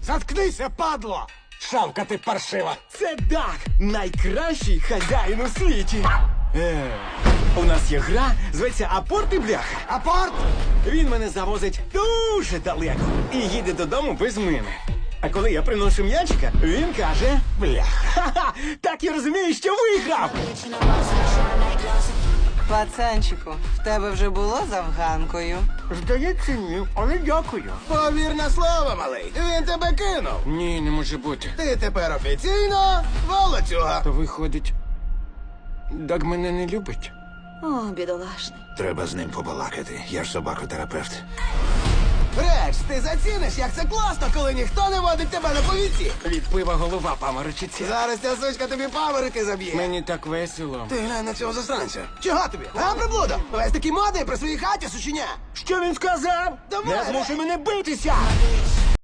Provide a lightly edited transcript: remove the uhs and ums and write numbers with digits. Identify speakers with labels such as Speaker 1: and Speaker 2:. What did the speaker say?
Speaker 1: Заткнися, падло! Шавка ти паршива!
Speaker 2: Це Даг, найкращий хазяїн у світі. У нас є гра, зветься Апорт і бляха.
Speaker 1: Апорт!
Speaker 2: Він мене завозить дуже далеко і їде додому без мене. А коли я приношу м'ячика, він каже бляха. Ха-ха, так і розумію, що виграв.
Speaker 3: Пацанчику, в тебе вже було з афганкою?
Speaker 2: Здається, ні, але дякую.
Speaker 1: Повір на слово, малий. Він тебе кинув.
Speaker 2: Ні, не може бути.
Speaker 1: Ти тепер офіційно волоцюга.
Speaker 2: То виходить, Даг мене не любить.
Speaker 4: О, бідолашний.
Speaker 1: Треба з ним побалакати. Я ж собакотерапевт. Реч, ти заціниш, як це класно, коли ніхто не водить тебе на повіці.
Speaker 2: Від пива голова паморочиться.
Speaker 1: Зараз ця сучка тобі паверики заб'є.
Speaker 2: Мені так весело.
Speaker 1: Ти глянь на цього засранця. Чого тобі? А, приблуда? Весь такий модний при своїй хаті, сученя.
Speaker 2: Що він сказав?
Speaker 1: Давай,
Speaker 2: Не змушуй
Speaker 1: Рей.
Speaker 2: мене битися!